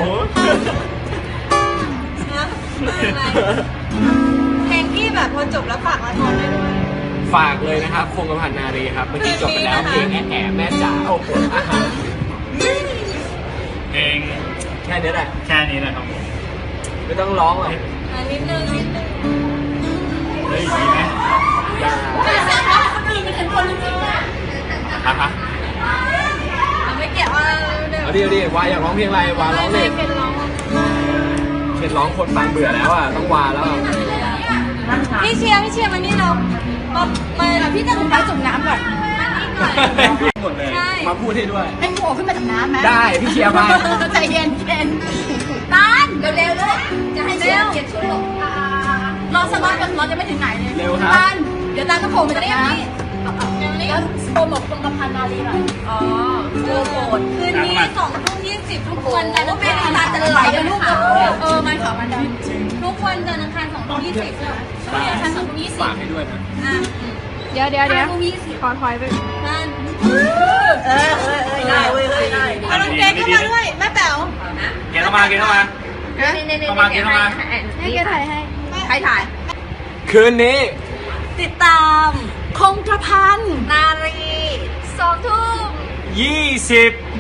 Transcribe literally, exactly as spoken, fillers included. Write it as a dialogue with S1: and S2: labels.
S1: เพลงที่แบบพอจบแล้วฝากละครได้ด้วย
S2: ฝากเลยนะครับคงกระพันนารีครับเมื่อกี้จบไปแล้วเพลงแอะแอะแม่จ๋าโอ้โห
S3: เพลง
S2: แค่นี้แหละ
S3: แค่นี้แหละครับผม
S2: ไม่ต้องร้องหรอก
S1: นิดนึงนิดนึง
S3: เฮ้ยดีไหม
S2: อย่า
S1: คนอื่นเป็นคนจริงนะ
S2: ฮะฮะ
S1: ไม่เกี่ยวว่า
S2: เอาดิเอาดิวาอยากร้องเพลงอะไรวาร้องเลย
S1: เป็นร้อง
S2: เป็นร้องคนฟังเบื่อแล้วอ่ะต้องวาแล้ว
S1: พี่เชียร์พี่เชียร์มานี่เรามามาพี่จะจุ่มน้ำจุ่มน้ำก่อน
S2: หมดเลยมาพูดให้ด้วย
S1: ให้โผล่ขึ้นมาจากน้ำไหม
S2: ได้พี่เชียร์มา
S1: ใจเย็นเย็นต้านเร็วๆเลยจะให้เชียร์เก็บชุดหลบรอสักวันก่อนรอจะไม่ถึงไหนเลย
S2: เร็วครับ
S1: ต้านเดี๋ยวต้านต้องโผล่มาจากน้ำแล้วโปรโมทตรงกำพันนารีหน่อยอ๋อโปรโมทคืนนี้สองทุ่มยี่สิบทุกวันจันทร์อังคารจะไหลกันลูกเออมันขาวมันดำทุกวันจันทร์อังคารสองทุ่มยี่สิบจันทร์สองทุ่มยี่สิบ
S2: ฝากให้ด้วยนะ
S1: เดี๋ยวเดี๋ยวเดี๋ยวขอถอยไปนั่นเออเออเออได้เว้ยได้เอาน้องเกดเข้ามาด้วยแม่แป๋ว
S3: เกดเข้ามาเกดเข้ามาเข้ามาเกดเข้ามา
S1: ให้เกดถ่ายให้ใครถ่าย
S2: คืนนี้
S1: ติดตามคงกระพันนารีสองทุ่ม
S3: ยี่สิบ